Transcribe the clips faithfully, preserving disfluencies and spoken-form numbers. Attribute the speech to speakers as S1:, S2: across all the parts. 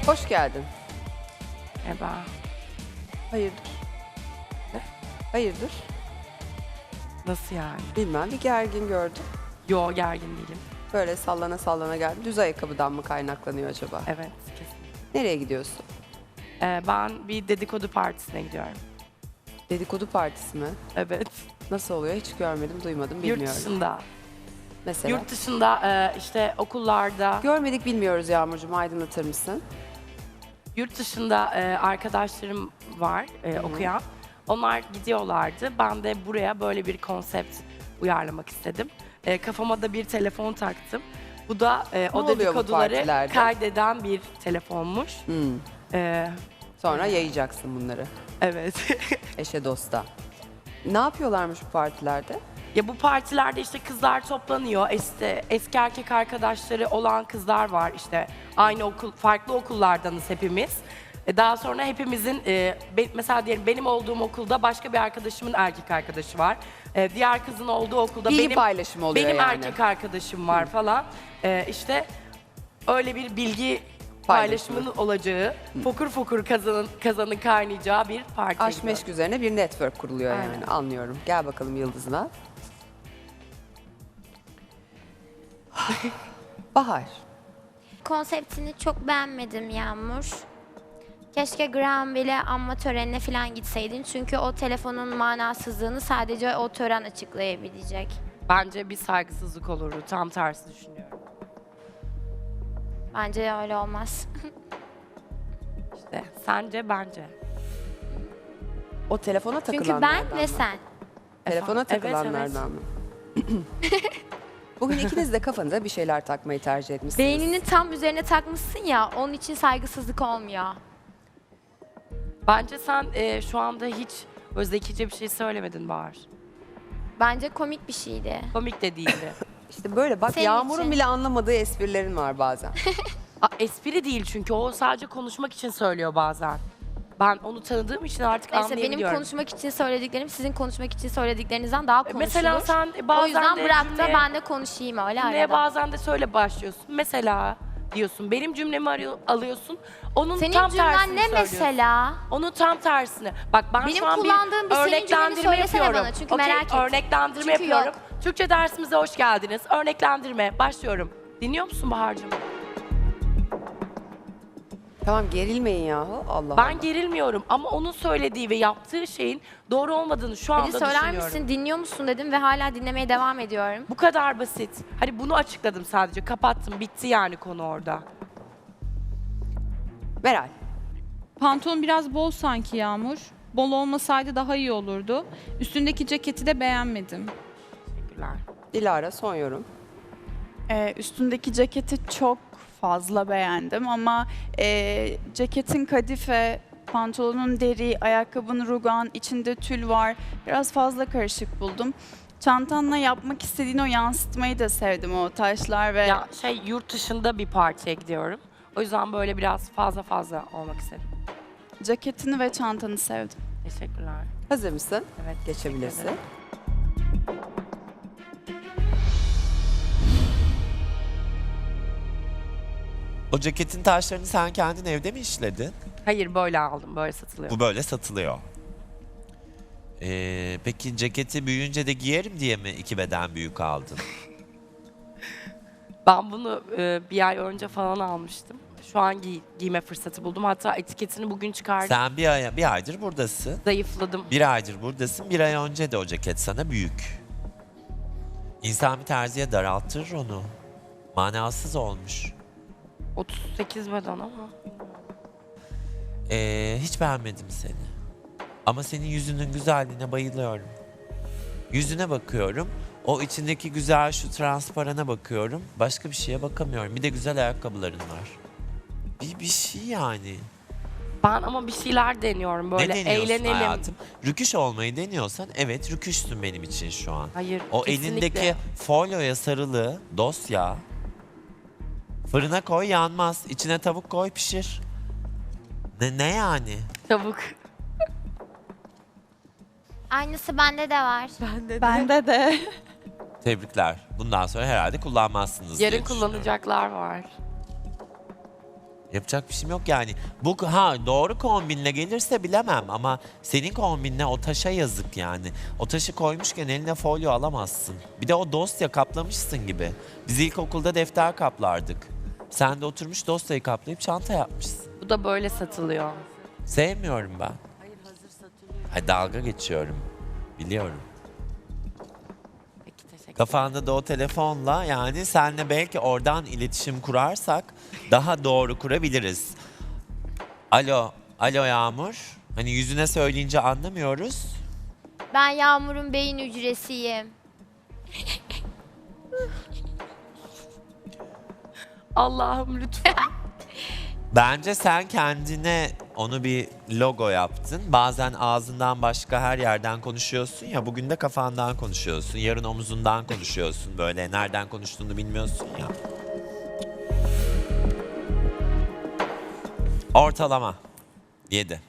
S1: Hoş geldin.
S2: Merhaba.
S1: Hayırdır?
S2: Ne?
S1: Hayırdır?
S2: Nasıl yani?
S1: Bilmem, bir gergin gördüm.
S2: Yo, gergin değilim.
S1: Böyle sallana sallana geldim. Düz ayakkabıdan mı kaynaklanıyor acaba?
S2: Evet, kesin.
S1: Nereye gidiyorsun?
S2: Ee, ben bir dedikodu partisine gidiyorum.
S1: Dedikodu partisi mi?
S2: Evet.
S1: Nasıl oluyor? Hiç görmedim, duymadım, bilmiyorum.
S2: Yurt dışında.
S1: Mesela?
S2: Yurt dışında e, işte okullarda,
S1: Görmedik, bilmiyoruz Yağmurcuğum. Aydınlatır mısın?
S2: yurt dışında e, arkadaşlarım var e, okuyan. Onlar gidiyorlardı. Ben de buraya böyle bir konsept uyarlamak istedim. E, kafama da bir telefon taktım. Bu da e, o
S1: oluyor bu
S2: dedikoduları
S1: partilerde?
S2: kaydeden bir telefonmuş.
S1: Hmm.
S2: E,
S1: Sonra yayacaksın bunları.
S2: evet.
S1: Eşe dosta. Ne yapıyorlarmış bu partilerde?
S2: Ya bu partilerde işte kızlar toplanıyor. İşte eski erkek arkadaşları olan kızlar var işte. Aynı okul, farklı okullardanız hepimiz. E, Daha sonra hepimizin, e, be- mesela diyelim benim olduğum okulda başka bir arkadaşımın erkek arkadaşı var. E, diğer kızın olduğu okulda
S1: Bilgi
S2: benim
S1: paylaşımı oluyor
S2: benim
S1: yani.
S2: erkek arkadaşım var falan. E, işte öyle bir bilgi
S1: Paylaşımı.
S2: paylaşımının olacağı, fokur fokur kazanın, kazanın kaynayacağı bir partiye
S1: Aşk
S2: gidiyorum.
S1: meşk üzerine bir network kuruluyor
S2: Aynen.
S1: yani. Anlıyorum. Gel bakalım Yıldız'ına. Bahar.
S3: Konseptini çok beğenmedim Yağmur. Keşke Granville anma törenine falan gitseydin. Çünkü o telefonun manasızlığını sadece o tören açıklayabilecek.
S2: Bence bir saygısızlık olurdu. Tam tersi düşünüyorum.
S3: Bence öyle olmaz.
S2: İşte sence bence.
S1: O telefona
S3: Çünkü
S1: takılanlardan
S3: ben ve
S1: mı?
S3: sen.
S1: Telefona
S2: Evet,
S1: takılanlardan mı? Bugün ikiniz de kafanıza bir şeyler takmayı tercih etmişsiniz.
S3: Beynini tam üzerine takmışsın ya, onun için saygısızlık olmuyor.
S2: Bence sen e, şu anda hiç böyle zekice bir şey söylemedin Bahar.
S3: Bence komik bir şeydi.
S2: Komik de değildi.
S1: İşte böyle bak
S3: Senin
S1: Yağmur'un
S3: için.
S1: bile anlamadığı esprilerin var bazen.
S2: A, espri değil çünkü o sadece konuşmak için söylüyor bazen. Ben onu tanıdığım için artık
S3: Neyse benim
S2: anlayabiliyorum.
S3: konuşmak için söylediklerim sizin konuşmak için söylediklerinizden daha konuşulur.
S2: Mesela sen bazen
S3: o yüzden
S2: de
S3: bırak da
S2: cümleye-
S3: ben de konuşayım öyle
S2: Cümleye
S3: arada.
S2: bazen de söyle başlıyorsun. Mesela diyorsun. Benim cümlemi arıyor, alıyorsun. Onun
S3: Senin
S2: tam
S3: cümlen
S2: tersini
S3: ne
S2: söylüyorsun.
S3: mesela?
S2: Onun tam tersini. Bak ben
S3: Benim
S2: şu an
S3: kullandığım
S2: bir
S3: bir senin cümleni
S2: örneklendirme
S3: söylesene
S2: yapıyorum.
S3: bana çünkü
S2: Okey,
S3: merak ettim.
S2: örneklendirme
S3: Çünkü
S2: yapıyorum.
S3: yok.
S2: Türkçe dersimize hoş geldiniz. Örneklendirme. Başlıyorum. Dinliyor musun Bahar'cığım?
S1: Tamam gerilmeyin yahu. Allah
S2: Ben
S1: Allah.
S2: gerilmiyorum ama onun söylediği ve yaptığı şeyin doğru olmadığını şu anda
S3: Beni söyler
S2: düşünüyorum.
S3: misin, dinliyor musun dedim ve hala dinlemeye devam ediyorum.
S2: Bu kadar basit. Hani bunu açıkladım sadece. Kapattım. Bitti yani konu orada.
S1: Meral.
S4: Pantolon biraz bol sanki Yağmur. Bol olmasaydı daha iyi olurdu. Üstündeki ceketi de beğenmedim.
S2: Teşekkürler.
S1: Dilara son yorum.
S5: Ee, üstündeki ceketi çok fazla beğendim ama e, ceketin kadife, pantolonun deri, ayakkabının rugan, içinde tül var. Biraz fazla karışık buldum. Çantanla yapmak istediğin o yansıtmayı da sevdim, o taşlar ve
S2: Ya şey yurt dışında bir partiye gidiyorum. O yüzden böyle biraz fazla fazla olmak istedim.
S5: ceketini ve çantanı sevdim.
S2: Teşekkürler.
S1: Hazır mısın?
S2: Evet.
S1: Geçebilirsin.
S2: teşekkür ederim.
S6: O ceketin taşlarını sen kendin evde mi işledin?
S2: Hayır böyle aldım. Böyle satılıyor.
S6: Bu böyle satılıyor. Ee, peki ceketi büyüyünce de giyerim diye mi iki beden büyük aldın?
S2: Ben bunu e, bir ay önce falan almıştım. Şu an giy- giyme fırsatı buldum. Hatta etiketini bugün çıkardım.
S6: Sen bir, ay, bir aydır buradasın.
S2: Zayıfladım.
S6: Bir aydır buradasın. Bir ay önce de o ceket sana büyük. İnsan bir terziye daraltır onu. Manasız olmuş.
S2: otuz sekiz beden ama.
S6: Ee, hiç beğenmedim seni. Ama senin yüzünün güzelliğine bayılıyorum. Yüzüne bakıyorum. O içindeki güzel şu transparana bakıyorum. Başka bir şeye bakamıyorum. Bir de güzel ayakkabıların var. Bir, bir şey yani.
S2: Ben ama bir şeyler deniyorum böyle
S6: ne deniyorsun
S2: eğlenelim.
S6: hayatım? Rüküş olmayı deniyorsan evet rüküşsün benim için şu an.
S2: Hayır.
S6: O
S2: kesinlikle.
S6: elindeki folyoya sarılı dosya fırına koy yanmaz. İçine tavuk koy pişir. Ne, ne yani?
S2: Tavuk.
S3: Aynısı bende de var.
S5: Bende de.
S6: Tebrikler. Bundan sonra herhalde kullanmazsınız diye
S2: Yarın
S6: düşünüyorum.
S2: kullanacaklar var.
S6: Yapacak bir şeyim yok yani. Bu ha doğru kombinle gelirse bilemem ama senin kombinle o taşa yazık yani. O taşı koymuşken eline folyo alamazsın. Bir de o dosya kaplamışsın gibi. Biz ilkokulda defter kaplardık. Sen de oturmuş dosyayı kaplayıp çanta yapmışsın.
S2: Bu da böyle satılıyor.
S6: Sevmiyorum ben. Hayır hazır satılıyor. Hayır dalga geçiyorum. Biliyorum.
S2: Peki, teşekkür
S6: Kafanda da o telefonla yani senle belki oradan iletişim kurarsak daha doğru kurabiliriz. Alo, alo Yağmur. Hani yüzüne söyleyince anlamıyoruz.
S3: Ben Yağmur'un beyin hücresiyim.
S2: Allah'ım lütfen.
S6: Bence sen kendine onu bir logo yaptın. Bazen ağzından başka her yerden konuşuyorsun ya. Bugün de kafandan konuşuyorsun. Yarın omuzundan konuşuyorsun. Böyle nereden konuştuğunu bilmiyorsun ya. Ortalama. yedi.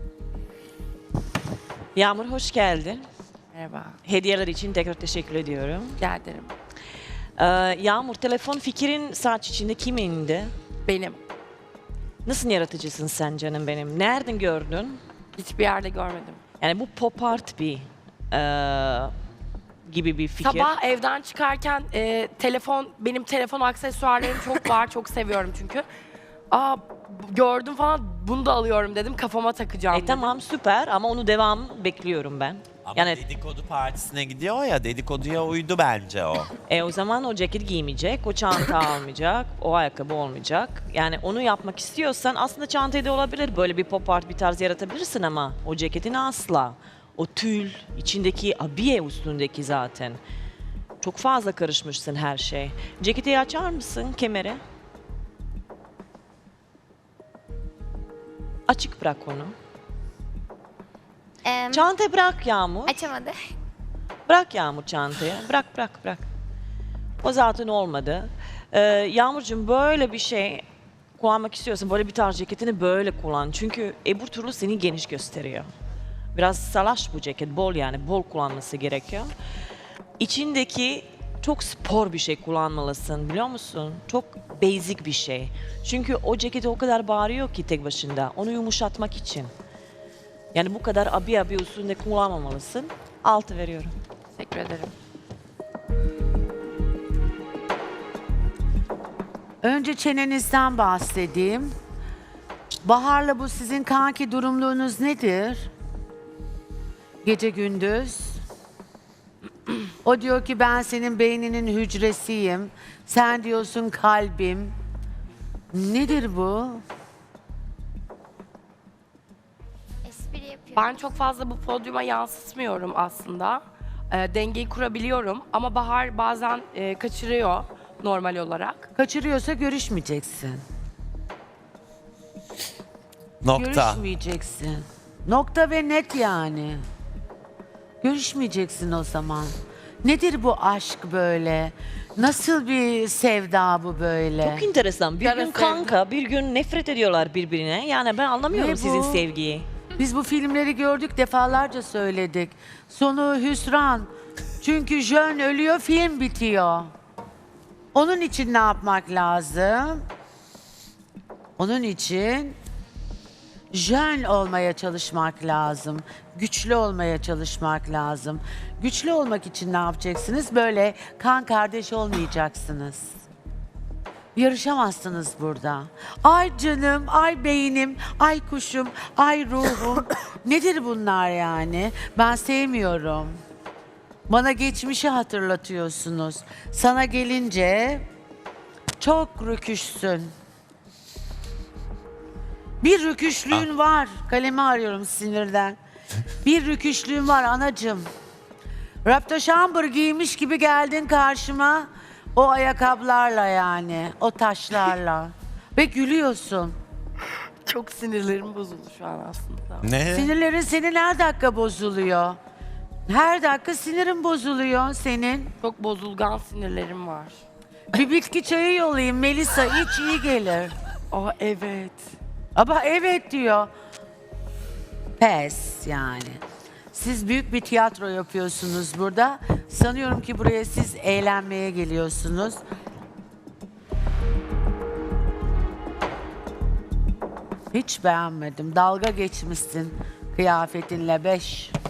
S7: Yağmur hoş geldin.
S2: Merhaba.
S7: Hediyeler için tekrar teşekkür ediyorum.
S2: Rica ederim.
S7: Ee, Yağmur telefon fikrin saç içinde kimindi?
S2: Benim.
S7: Nasıl yaratıcısın sen canım benim? Nereden gördün?
S2: Hiçbir yerde görmedim.
S7: Yani bu pop art bir ee, gibi bir fikir.
S2: Sabah evden çıkarken e, telefon, benim telefon aksesuarlarım çok var. Çok seviyorum çünkü. Aa gördüm falan, bunu da alıyorum dedim. Kafama takacağım
S7: E
S2: dedim.
S7: tamam süper ama onu devam bekliyorum ben.
S6: Ama
S7: Yani
S6: dedikodu partisine gidiyor ya, dedikoduya uydu bence o.
S7: e, o zaman o ceket giymeyecek, o çanta almayacak, o ayakkabı olmayacak. Yani onu yapmak istiyorsan aslında çantayı da olabilir. Böyle bir pop art bir tarz yaratabilirsin ama o ceketin asla. O tül, içindeki abiye üstündeki zaten. Çok fazla karışmışsın her şey. Ceketi açar mısın, kemeri? Açık bırak onu.
S3: Em,
S7: Çantayı bırak Yağmur.
S3: açamadı.
S7: Bırak Yağmur çantayı. Bırak bırak bırak. O zaten olmadı. Ee, Yağmurcuğum böyle bir şey kullanmak istiyorsan böyle bir tarz ceketini böyle kullan. Çünkü öbür türlü seni geniş gösteriyor. Biraz salaş bu ceket. Bol yani. Bol kullanması gerekiyor. İçindeki çok spor bir şey kullanmalısın biliyor musun? Çok basic bir şey. Çünkü o ceketi o kadar bağırıyor ki tek başında. Onu yumuşatmak için. Yani bu kadar abi abi üstünde kullanmamalısın. Altı veriyorum.
S2: Teşekkür ederim.
S8: Önce çenenizden bahsedeyim. Bahar'la bu sizin kanki durumluğunuz nedir? Gece gündüz. O diyor ki ben senin beyninin hücresiyim. Sen diyorsun kalbim. Nedir bu?
S3: Espri yapıyor.
S2: Ben çok fazla bu podyuma yansıtmıyorum aslında. E, dengeyi kurabiliyorum ama Bahar bazen e, kaçırıyor normal olarak.
S8: Kaçırıyorsa görüşmeyeceksin.
S6: Nokta.
S8: Görüşmeyeceksin. Nokta ve net yani. Görüşmeyeceksin o zaman. Nedir bu aşk böyle? Nasıl bir sevda bu böyle?
S7: Çok enteresan. Bir
S2: Kara
S7: gün
S2: sevda.
S7: kanka, bir gün nefret ediyorlar birbirine. Yani ben anlamıyorum
S8: Ne
S7: sizin
S8: bu?
S7: sevgiyi.
S8: Biz bu filmleri gördük, defalarca söyledik. Sonu hüsran. Çünkü Jön ölüyor, film bitiyor. Onun için ne yapmak lazım? Onun için Jön olmaya çalışmak lazım. Güçlü olmaya çalışmak lazım. Güçlü olmak için ne yapacaksınız? Böyle kan kardeş olmayacaksınız. Yarışamazsınız burada. Ay canım, ay beynim, ay kuşum, ay ruhum. Nedir bunlar yani? Ben sevmiyorum. Bana geçmişi hatırlatıyorsunuz. Sana gelince çok rüküşsün. Bir rüküşlüğün var. Kalemi arıyorum sinirden. Bir rüküşlüğün var anacığım. Raptoşambır giymiş gibi geldin karşıma. O ayakkabılarla yani. O taşlarla. Ve gülüyorsun.
S2: Çok sinirlerim bozuldu şu an aslında.
S6: Ne?
S8: Sinirlerin senin her dakika bozuluyor. Her dakika sinirin bozuluyor senin.
S2: Çok bozulgan sinirlerim var.
S8: Bir bitki çayı yollayayım Melisa, iç iyi gelir.
S2: Aa evet.
S8: Ama evet diyor. Pes yani. Siz büyük bir tiyatro yapıyorsunuz burada. Sanıyorum ki buraya siz eğlenmeye geliyorsunuz. Hiç beğenmedim. Dalga geçmişsin kıyafetinle beş.